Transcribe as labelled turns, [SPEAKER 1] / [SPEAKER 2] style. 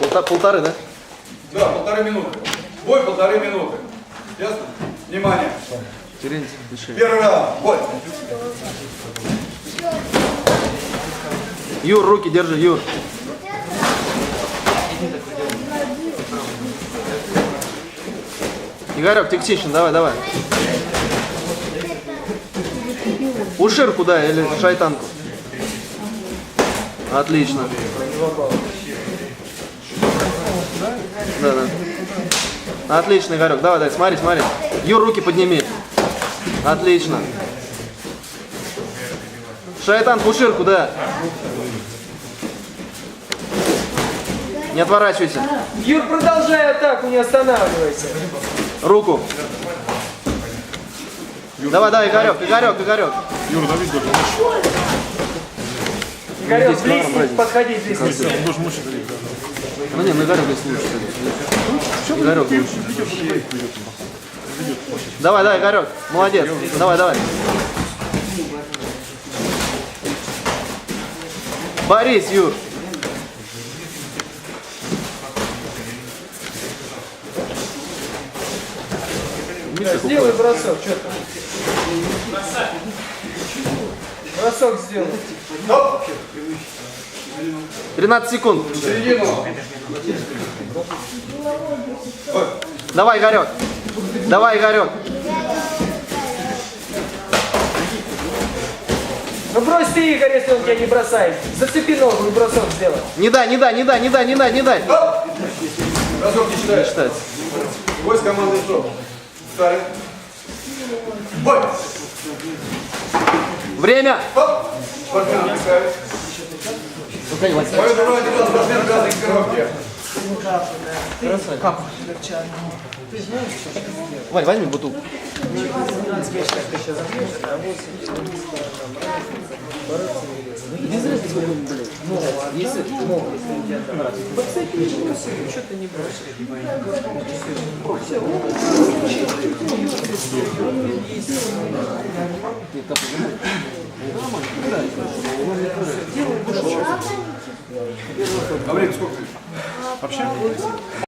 [SPEAKER 1] Полторы, да?
[SPEAKER 2] Да, 1,5 минуты. Бой 1,5 минуты. Ясно? Внимание.
[SPEAKER 1] Терентьев, дыши.
[SPEAKER 2] Первый раунд. Бой.
[SPEAKER 1] Юр, руки держи, Юр. Игорек, Тексишин, давай. Ушир куда или шайтанку? Отлично. Да. Отлично, Игорек. Давай, смотри. Юр, руки подними. Отлично. Шайтан, Ушир куда? Не отворачивайся.
[SPEAKER 3] Юр, продолжай атаку, не останавливайся.
[SPEAKER 1] Руку. Давай, Игорек.
[SPEAKER 4] Юра, дави даже.
[SPEAKER 3] Игорек, близко, подходи близко.
[SPEAKER 4] Он должен лучше давить.
[SPEAKER 1] Ну не, Игорек здесь лучше. Игорек лучше. Давай, Игорек. Молодец. Давай. Борис, Юр.
[SPEAKER 3] Сделай бросок, что там? Бросок сделай.
[SPEAKER 1] 13 секунд.
[SPEAKER 2] Середину.
[SPEAKER 1] Давай, Игорек.
[SPEAKER 3] Ну брось ты, Игорь, если он тебя не бросает. Зацепи ногу и бросок сделай.
[SPEAKER 1] Не дай.
[SPEAKER 2] Бросок не считаешь.
[SPEAKER 1] Считается.
[SPEAKER 2] Бой с командой СО. Старый. Бой.
[SPEAKER 1] Время.
[SPEAKER 2] Спортсмен отдыхает. Мою дурную делал спортсмен красной экипировки.
[SPEAKER 1] Вань, возьми бутылку.
[SPEAKER 2] А время сколько?
[SPEAKER 4] Вообще?